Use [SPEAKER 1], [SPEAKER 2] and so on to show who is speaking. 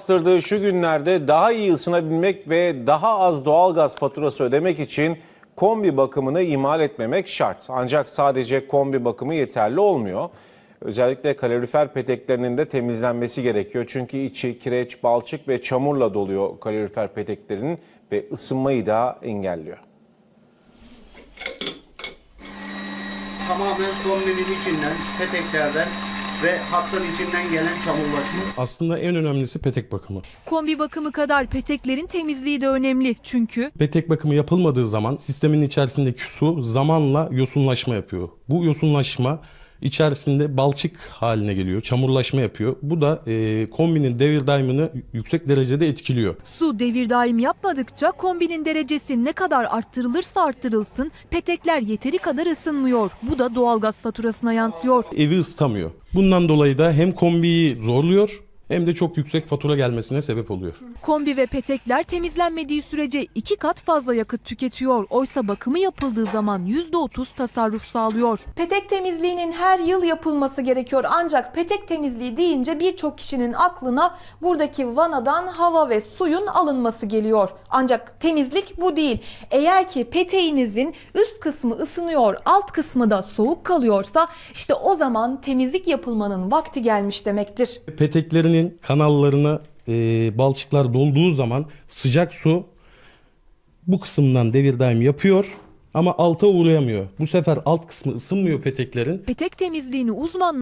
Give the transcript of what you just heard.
[SPEAKER 1] bastırdığı şu günlerde daha iyi ısınabilmek ve daha az doğalgaz faturası ödemek için kombi bakımını ihmal etmemek şart. Ancak sadece kombi bakımı yeterli olmuyor. Özellikle kalorifer peteklerinin de temizlenmesi gerekiyor. Çünkü içi kireç, balçık ve çamurla doluyor kalorifer peteklerinin ve ısınmayı da engelliyor.
[SPEAKER 2] Tamamen kombinin içinden, peteklerden ve hattın içinden gelen çamurlaşma.
[SPEAKER 3] Aslında en önemlisi petek bakımı.
[SPEAKER 4] Kombi bakımı kadar peteklerin temizliği de önemli. Çünkü
[SPEAKER 3] Petek bakımı yapılmadığı zaman sistemin içerisindeki su zamanla yosunlaşma yapıyor. Bu yosunlaşma içerisinde balçık haline geliyor, çamurlaşma yapıyor. Bu da kombinin devir daimini yüksek derecede etkiliyor.
[SPEAKER 4] su devir daim yapmadıkça kombinin derecesi ne kadar arttırılırsa arttırılsın petekler yeteri kadar ısınmıyor. Bu da doğalgaz faturasına yansıyor.
[SPEAKER 3] Evi ısıtamıyor. Bundan dolayı da hem kombiyi zorluyor hem de çok yüksek fatura gelmesine sebep oluyor.
[SPEAKER 4] Kombi ve petekler temizlenmediği sürece 2 kat fazla yakıt tüketiyor. Oysa bakımı yapıldığı zaman %30 tasarruf sağlıyor.
[SPEAKER 5] Petek temizliğinin her yıl yapılması gerekiyor. Ancak petek temizliği deyince birçok kişinin aklına buradaki vanadan hava ve suyun alınması geliyor. Ancak temizlik bu değil. Eğer ki peteğinizin üst kısmı ısınıyor, alt kısmı da soğuk kalıyorsa işte o zaman temizlik yapılmanın vakti gelmiş demektir.
[SPEAKER 3] Peteklerinin kanallarına balçıklar dolduğu zaman sıcak su bu kısımdan devir daim yapıyor ama alta uğrayamıyor. Bu sefer alt kısmı ısınmıyor peteklerin.
[SPEAKER 4] Petek temizliğini uzmanlar